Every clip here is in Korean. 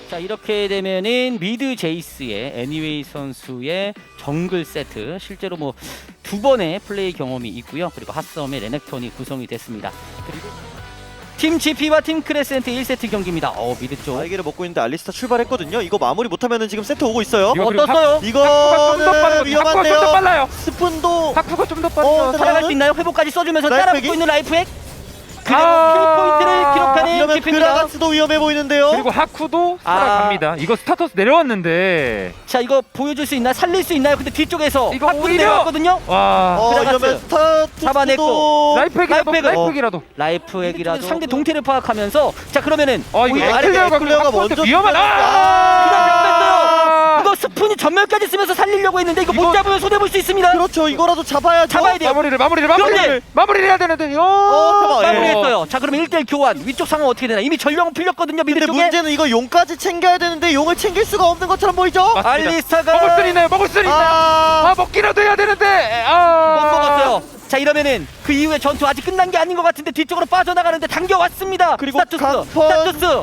자 이렇게 되면은 미드 제이스의 애니웨이 선수의 정글 세트 실제로 뭐 2번의 플레이 경험이 있고요. 그리고 핫섬의 레넥톤이 구성이 됐습니다. 그리고 팀 GP와 팀 크레센트 1세트 경기입니다. 미드 쪽 날개를 먹고 있는데 알리스타 출발했거든요. 이거 마무리 못하면은 지금 세트 오고 있어요. 이거 그리고 어떻어요? 이거는 위험한데요. 좀 더 빨라요. 스푼도 하쿠가 좀 더 빨라요. 살아갈 수 있나요? 회복까지 써주면서 라이프 따라붙고 핵이? 있는 라이프 핵. 그리고 아, 킬포인트를 기록하는 이러면 GP입니다. 그라가스도 위험해 보이는데요. 그리고 하쿠도 살아갑니다. 이거 스타터스 내려왔는데 자 이거 보여줄 수 있나? 살릴 수 있나요? 근데 뒤쪽에서 이거 하쿠도 오히려! 내려왔거든요. 와 그라가스. 이러면 스타투스도 잡아냈고. 라이프액이라도 라이프액은- 라이프액이라도 라이프 핵이라도 상대 동태를 파악하면서 자 그러면은 이거 오히려 아래 에클레어가 에클레어가 먼저 먼저 위험한 그냥 잡혔어요. 아 이거 스푼이 전멸까지 쓰면서 살리려고 했는데 이거 못 이거- 잡으면 손해 볼 수 있습니다. 그렇죠. 이거라도 잡아야죠. 잡아야 돼요. 마무리를 해야 되는데 잠깐만. 마무리했어요. 자 그러면 1대1 교환. 위쪽 상황 어떻게 되나? 이미 전령은 풀렸거든요. 미드 근데 쪽에. 문제는 이거 용까지 챙겨야 되는데 용을 챙길 수가 없는 것처럼 보이죠? 맞습니다. 알리스타가 먹을 수 있나요? 먹을 수 있나요? 아 먹기라도 해야 되는데 못 먹었어요. 자 이러면은 그 이후에 전투 아직 끝난 게 아닌 것 같은데 뒤쪽으로 빠져나가는데 당겨왔습니다. 그리고 스타투스. 강펀. 스타투스.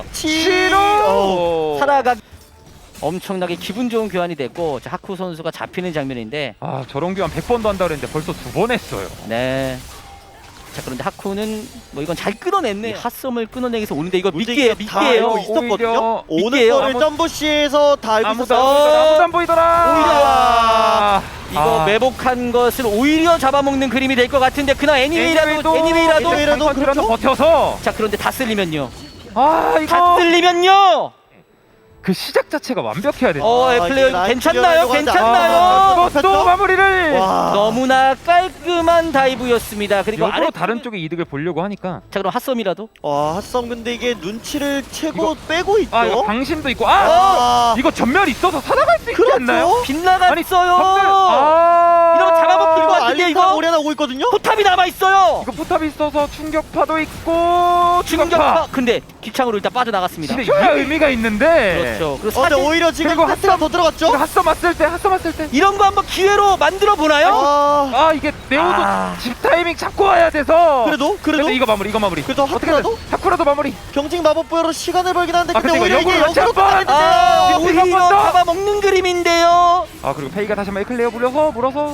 싫어. 살아가. 엄청나게 기분 좋은 교환이 됐고 자, 하쿠 선수가 잡히는 장면인데 아 저런 교환 100번도 한다 그랬는데 벌써 2번 했어요. 네. 자 그런데 하쿠는 뭐 이건 잘 끊어냈네. 핫섬을 끊어내기 위해서 오는데 이거 문제가 미끼예요. 다 미끼예요. 알고 있었거든요. 오는 미끼예요. 거를 점부시에서 다 알고 아무도 있었어. 안 보이더라. 오히려 이거 매복한 것을 오히려 잡아먹는 그림이 될 것 같은데 그나 애니웨이라도 애니웨이라도 그렇죠. 버텨서 자 그런데 다 쓸리면요. 아 다 이거 쓸리면요. 그 시작 자체가 완벽해야 돼. 에플레이어 라인 괜찮나요? 클리어하려고 괜찮나요? 또 마무리를. 와. 너무나 깔끔한 다이브였습니다. 그리고 일부러 아래 다른 쪽의 이득을 보려고 하니까. 자 그럼 핫섬이라도 와, 핫성 근데 이게 눈치를 채고 빼고 있죠. 아 이거 방심도 있고 이거 전멸 있어서 살아갈 수 있지 그렇죠. 않나요? 빗나갔어요. 전멸 이러면 잡아먹힐 것 같은데 알리스타 이거 오래 나오고 있거든요. 포탑이 남아있어요. 이거 포탑이 있어서 충격파도 있고 충격파. 근데 기창으로 일단 빠져나갔습니다. 근데 이야 의미가 있는데. 그렇죠. 그리고 근데 사실 오히려 지금 그리고 하트가 더 들어갔죠? 이거 핫썸 왔을 때 이런 거 한번 기회로 만들어 보나요? 이게 네오도 아. 집 타이밍 잡고 와야 돼서 그래도 근데 이거 마무리 그래도 하트라도 하쿠라도 마무리 경직 마법부여로 시간을 벌긴 하는데 근데 근데 이거 오히려 이게 역으로 같이 역으로 한번! 가야 지금 오히려 한번 더! 잡아먹는 그림인데요. 그리고 페이가 다시 한번 에클레어 물어서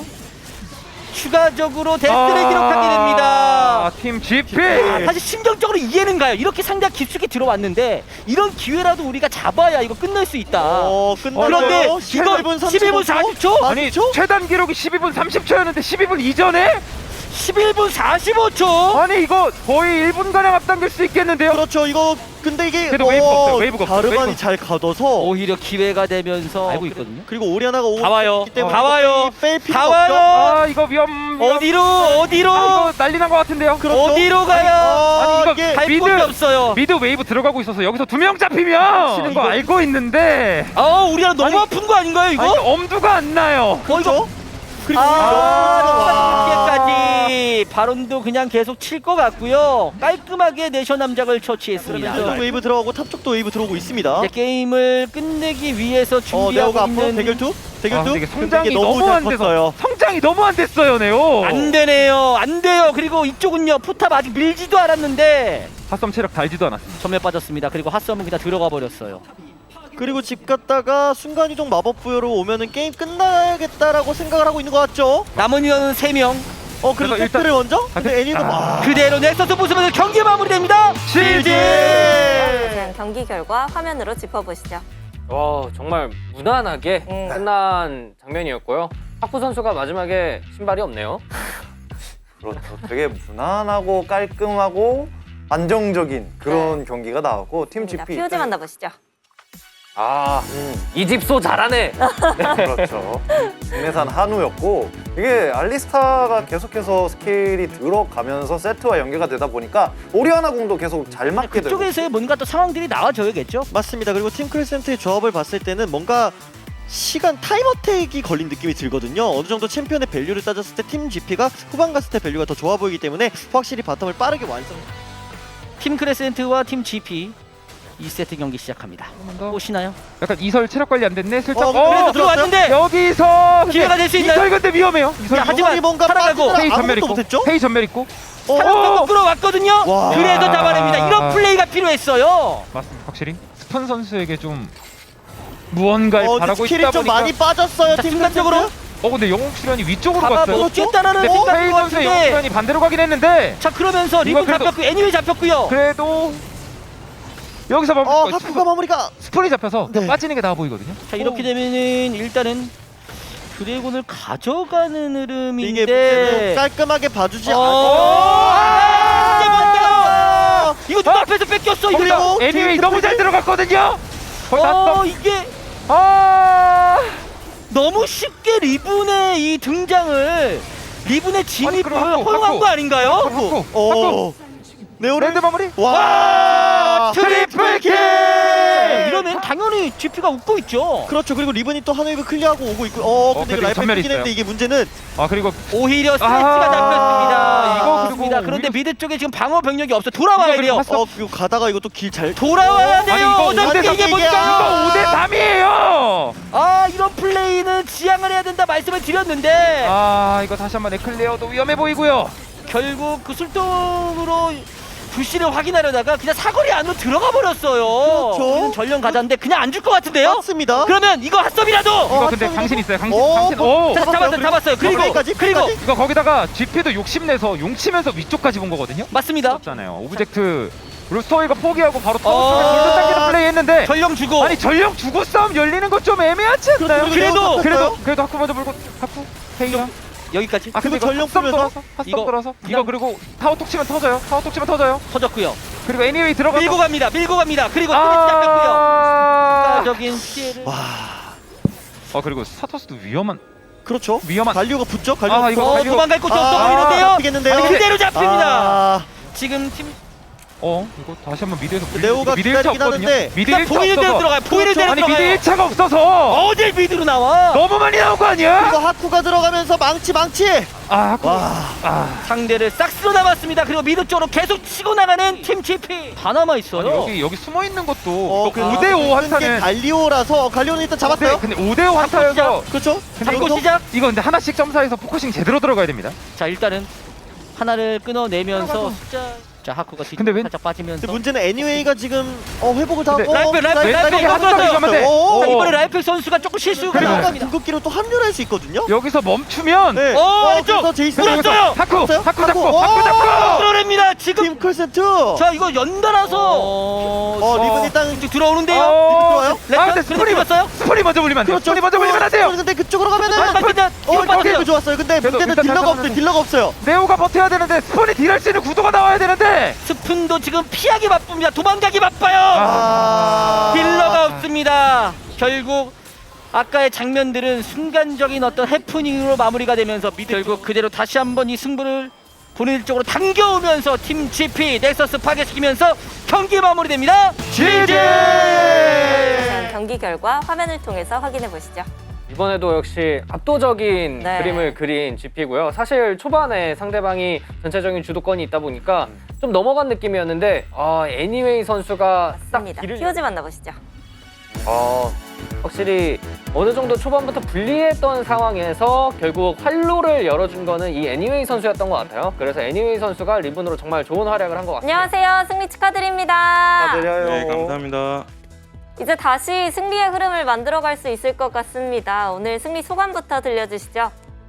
추가적으로 데스를 기록하게 됩니다. 팀 GP 사실 심정적으로 이해는 가요. 이렇게 상대가 깊숙이 들어왔는데 이런 기회라도 우리가 잡아야 이거 끝낼 수 있다. 그런데 이거 11분 40초? 아니 최단 기록이 12분 30초였는데 12분 이전에 11분 45초? 아니 이거 거의 1분가량 앞당길 수 있겠는데요? 그렇죠. 이거 근데 이게 그래도 웨이브가 없어요. 다르반이 웨이브. 잘 가둬서 오히려 기회가 되면서 알고 있거든요. 그리고 오리아나가 다 와요. 때문에 다 와요. 뺄 다 필요가 와요. 없죠. 이거 위험 어디로? 이거 난리 난 것 같은데요? 그렇죠. 어디로 가요? 아니, 이거 이게 갈 미드. 곳이 없어요. 미드 웨이브 들어가고 있어서 여기서 2명 잡히면 치는 거 이거- 알고 있는데 우리가 너무 아니, 아픈 거 아닌가요 이거? 아니, 엄두가 안 나요. 그렇죠. 그리고 이렇게까지 바론도 그냥 계속 칠 것 같고요. 깔끔하게 내셔 남작을 처치했습니다. 미드 웨이브 들어가고 탑 쪽도 웨이브 들어오고 있습니다. 이제 게임을 끝내기 위해서 네오가 준비하고 앞으로 있는 대결투? 근데 이게 근데 성장이 이게 너무 안 잘 돼서 컸어요. 성장이 너무 안 됐어요, 네오. 안 되네요. 안 돼요. 그리고 이쪽은요. 포탑 아직 밀지도 않았는데 핫썸 체력 달지도 않았습니다. 전멸 빠졌습니다. 그리고 핫섬은 그냥 들어가 버렸어요. 그리고 집 갔다가 순간이동 마법 부여로 오면은 게임 끝나야겠다라고 생각을 하고 있는 것 같죠? 남은 인원은 3명. 그리고 그래서 일단- 세트를 먼저? 근데 애니도 막 그대로 넥서스 부수면서 경기 마무리됩니다. GG! 그냥 경기 결과 화면으로 짚어보시죠. 정말 무난하게 끝난 장면이었고요. 하쿠 선수가 마지막에 신발이 없네요. 그렇죠. 되게 무난하고 깔끔하고 안정적인 그런 경기가 나왔고 팀 자, GP POG 만나보시죠. 이 집소 잘하네. 그렇죠. 국내산 한우였고 이게 알리스타가 계속해서 스킬이 들어가면서 세트와 연계가 되다 보니까 오리아나 궁도 계속 잘 맞게 되고 그쪽에서의 뭔가 또 상황들이 나와줘야겠죠. 맞습니다. 그리고 팀 크레센트의 조합을 봤을 때는 뭔가 시간 타임어택이 걸린 느낌이 들거든요. 어느 정도 챔피언의 밸류를 따졌을 때 팀 GP가 후반 갔을 때 밸류가 더 좋아 보이기 때문에 확실히 바텀을 빠르게 완성. 팀 크레센트와 팀 GP 2세트 경기 시작합니다. 보시나요? 약간 이설 체력 관리 안 됐네. 슬쩍 그래도 들어왔는데 여기서 기회가 될 수 있나요? 이설 근데 위험해요. 이설 자, 하지만 뭔가 살아가고 빠지더라. 페이 전멸 아무것도 있고 못했죠? 페이 전멸 있고 사람도 끌어왔거든요. 와. 그래서 잡아냅니다. 이런 플레이가 필요했어요. 맞습니다. 확실히 오픈 선수에게 좀 무언가를 근데 바라고 스킬이 있다 좀 보니까 많이 빠졌어요. 자, 팀 순간적으로 컨셉트. 근데 영웅 수련이 위쪽으로 갔어요. 잡아먹겠다라는 근데 생각인 페이 것 선수의 영웅 같은데. 수련이 반대로 가긴 했는데 자 그러면서 리본 그래도- 잡혔고 애니웨이 잡혔고요. 그래도 여기서 하쿠가 마무리가. 스폰이 잡혀서 네. 빠지는 게 나아 보이거든요. 자 이렇게 되면은 일단은 드래곤을 가져가는 이게 문제는 흐름인데. 깔끔하게 봐주지 어. 않아요. 이거 누가 앞에서 뺏겼어 이거. 그리고 애니웨이 팀 너무 잘 들어갔거든요. 거의 났어. 이게 아 너무 쉽게 리븐의 이 등장을 리븐의 진입을 그럼 하쿠, 허용한 하쿠. 거 아닌가요? 하쿠. 하쿠. 네오를 랜드 마무리. 와 트리플 킬! 킬! 이러면 당연히 GP가 웃고 있죠. 그렇죠. 그리고 리븐이 또 한웨이브 클리어하고 오고 있고. 근데 그리고 이거 라이프 전멸이 뺏긴 했는데 있어요. 이게 문제는 아 그리고 오히려 스트레스가 아, 잡혔습니다. 이거 그리고 맞습니다. 그런데 오히려- 미드 쪽에 지금 방어 병력이 없어. 돌아와야 이거 돼요. 그리고 그리고 가다가 이거 또 길 잘. 돌아와야 돼요. 이거 어차피 5대3 이게 이거 뭔가. 5대3이에요. 아 이런 플레이는 지양을 해야 된다 말씀을 드렸는데 아 이거 다시 한번 에클레어도 위험해 보이고요. 결국 그 술동으로 불씨를 확인하려다가 그냥 사거리 안으로 들어가 버렸어요. 그렇죠. 우리는 전령 가자인데 그냥 안 줄 것 같은데요? 맞습니다. 그러면 이거 핫섭이라도 이거 근데 합성이고. 강신 있어요. 강신. 오, 강신. 오. 잡았어요. 그리고 플레이까지? 이거 거기다가 GP도 욕심내서 용치면서 위쪽까지 본 거거든요. 맞습니다. 없잖아요. 오브젝트 루스터이가 포기하고 바로 타워 어. 쪽에 골드 당기는 플레이 했는데 전령 주고 아니 전령 주고 싸움 열리는 것 좀 애매하지 않나요? 그래도- 그래도 하쿠 먼저 물고 하쿠 페이가 여기까지 아 근데 그리고 이거 전령 핫썸 풀면서? 돌아서 이거 핫썸 돌아서 그냥- 이거 그리고 타워 톡 치면 터져요. 타워 톡 치면 터져요. 터졌고요. 그리고 애니웨이 들어가서 밀고 갑니다. 그리고 스트레스 잡혔고요. 아 적인 피해를 그리고 스타터스도 위험한 그렇죠. 위험한 갈리오가 붙죠. 갈리오. 아, 이거 갈리오- 도망갈 곳이 없어 보이는데요. 잡히겠는데요. 아니, 그대로 잡힙니다. 아, 지금 팀 이거 다시 한번 미드에서 레오가 미드 1차 기다리긴 없거든요. 하는데 미드 그냥 1차 보이는 대로 없어서 들어가요. 보이는 대로 아니 미드 들어가요. 1차가 없어서 어딜 미드로 나와? 너무 많이 나온 거 아니야? 이거 하쿠가 들어가면서 망치. 아 와. 상대를 싹 쓸어 담았습니다. 그리고 미드 쪽으로 계속 치고 나가는 팀 GP 다 남아 있어요. 여기 숨어 있는 것도 그래도 5대5 게 한타는 갈리오라서 갈리오는 일단 잡았어요. 근데 5대5 한타여서 그렇죠. 잡고 여기서 시작. 이거 근데 하나씩 점사해서 포커싱 제대로 들어가야 됩니다. 자 일단은 하나를 끊어내면서 숫자. 자 하쿠가 뒤 근데 웬- 살짝 빠지면서. 근데 문제는 애니웨이가 지금 회복을 다 근데 하고 라이프 한 점이 가면 돼. 자, 이번에 라이프 선수가 조금 실수가 그리고- 나왔습니다. 궁극기로 또 합류를 할 수 있거든요. 여기서 멈추면 네. 왼쪽! 그래서 제이스 물었어요! 하쿠 잡았어요? 잡고 하쿠. 하쿠 잡고 끌어냅니다. 지금 팀 콜센트. 자 이거 연달아서 리븐 일단 이쪽 들어오는데요. 들어와요? 근데 렌즈 들어갔어요? 스폰이 먼저 물리면 안 돼요. 그렇죠. 스폰이 먼저 물리면 안 돼요. 근데 그쪽으로 가면은 맞습니다. 이거 거기도 빠졌어요. 좋았어요. 근데 그래도 문제는 일단 딜러가 잠깐만요. 없어요. 딜러가 없어요. 네오가 버텨야 되는데 스폰이 딜할 수 있는 구도가 나와야 되는데 스푼도 지금 피하기 바쁩니다. 도망가기 바빠요. 아. 딜러가 없습니다. 결국 아까의 장면들은 순간적인 어떤 해프닝으로 마무리가 되면서 미드 결국 그대로 다시 한번 이 승부를 본인 쪽으로 당겨오면서 팀 GP 넥서스 파괴시키면서 경기 마무리됩니다. GG! 자, 경기 결과 화면을 통해서 확인해 보시죠. 이번에도 역시 압도적인 네. 그림을 그린 GP고요. 사실 초반에 상대방이 전체적인 주도권이 있다 보니까 좀 넘어간 느낌이었는데 애니웨이 선수가 딱 맞습니다. 길을 POG 만나보시죠. 확실히 어느 정도 초반부터 불리했던 상황에서 결국 활로를 열어준 거는 이 애니웨이 선수였던 것 같아요. 그래서 애니웨이 선수가 리븐으로 정말 좋은 활약을 한 것 같습니다. 안녕하세요. 승리 축하드립니다. 축하드려요. 네, 감사합니다. 이제 다시 승리의 흐름을 만들어갈 수 있을 것 같습니다. 오늘 승리 소감부터 들려주시죠.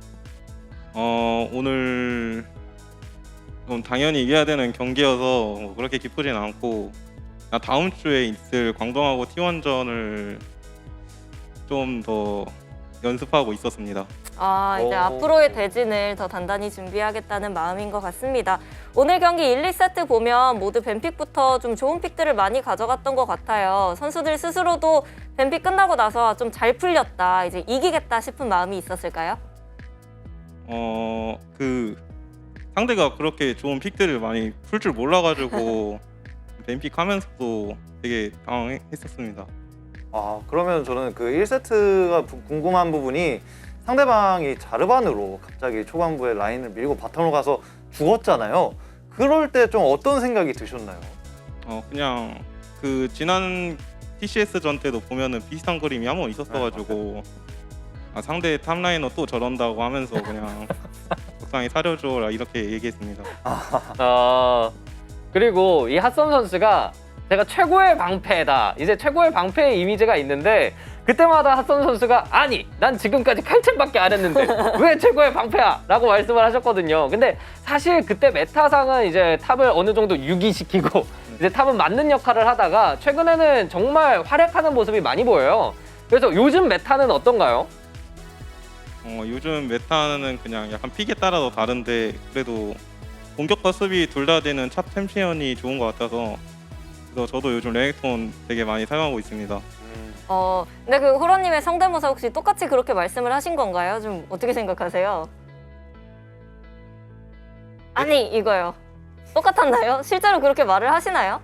오늘 당연히 이겨야 되는 경기여서 뭐 그렇게 기쁘진 않고 다음 주에 있을 광동하고 T1전을 좀 더 연습하고 있었습니다. 이제 오. 앞으로의 대진을 더 단단히 준비하겠다는 마음인 것 같습니다. 오늘 경기 1, 2세트 보면 모두 뱀픽부터 좀 좋은 픽들을 많이 가져갔던 것 같아요. 선수들 스스로도 뱀픽 끝나고 나서 좀 잘 풀렸다, 이제 이기겠다 싶은 마음이 있었을까요? 그 상대가 그렇게 좋은 픽들을 많이 풀 줄 몰라가지고 뱀픽 하면서도 되게 당황했었습니다. 그러면 저는 그 1세트가 궁금한 부분이 상대방이 자르반으로 갑자기 초반부에 라인을 밀고 바텀으로 가서 죽었잖아요. 그럴 때 좀 어떤 생각이 드셨나요? 그냥 그 지난 TCS 전 때도 보면은 비슷한 그림이 한 번 있었어가지고 상대 탑라이너 또 저런다고 하면서 그냥 적당히 사려줘라 이렇게 얘기했습니다. 그리고 이 핫썸 선수가 제가 최고의 방패다. 이제 최고의 방패의 이미지가 있는데 그때마다 핫선 선수가 아니 난 지금까지 칼챔밖에 안 했는데 왜 최고의 방패야? 라고 말씀을 하셨거든요. 근데 사실 그때 메타상은 이제 탑을 어느 정도 유기시키고 이제 탑은 맞는 역할을 하다가 최근에는 정말 활약하는 모습이 많이 보여요. 그래서 요즘 메타는 어떤가요? 요즘 메타는 그냥 약간 픽에 따라서 다른데 그래도 공격과 수비 둘 다 되는 탑 챔피언이 좋은 것 같아서 그래서 저도 요즘 레넥톤 되게 많이 사용하고 있습니다. 근데 그 호러님의 성대모사 혹시 똑같이 그렇게 말씀을 하신 건가요? 좀 어떻게 생각하세요? 아니 이거요. 똑같았나요? 실제로 그렇게 말을 하시나요?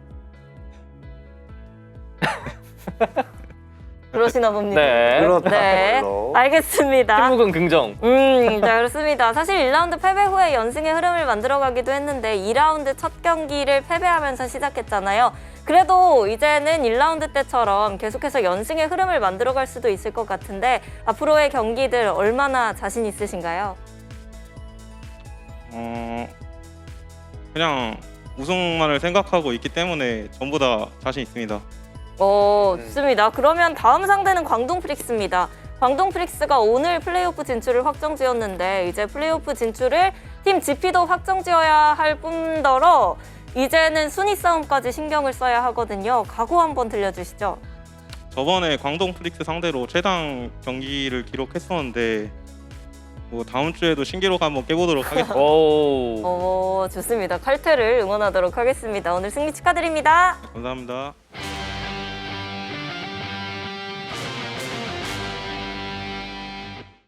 그러시나 봅니다. 네. 그렇다. 네, 별로. 알겠습니다. 팀묵은 긍정. 자, 그렇습니다. 사실 1라운드 패배 후에 연승의 흐름을 만들어가기도 했는데 2라운드 첫 경기를 패배하면서 시작했잖아요. 그래도 이제는 1라운드 때처럼 계속해서 연승의 흐름을 만들어갈 수도 있을 것 같은데 앞으로의 경기들 얼마나 자신 있으신가요? 그냥 우승만을 생각하고 있기 때문에 전부 다 자신 있습니다. 좋습니다. 그러면 다음 상대는 광동 프릭스입니다. 광동 프릭스가 오늘 플레이오프 진출을 확정지었는데 이제 플레이오프 진출을 팀 GP도 확정지어야 할 뿐더러 이제는 순위 싸움까지 신경을 써야 하거든요. 각오 한번 들려주시죠. 저번에 광동 프릭스 상대로 최당 경기를 기록했었는데 뭐 다음 주에도 신기록 한번 깨보도록 하겠습니다. 오. 좋습니다. 칼퇴를 응원하도록 하겠습니다. 오늘 승리 축하드립니다. 감사합니다.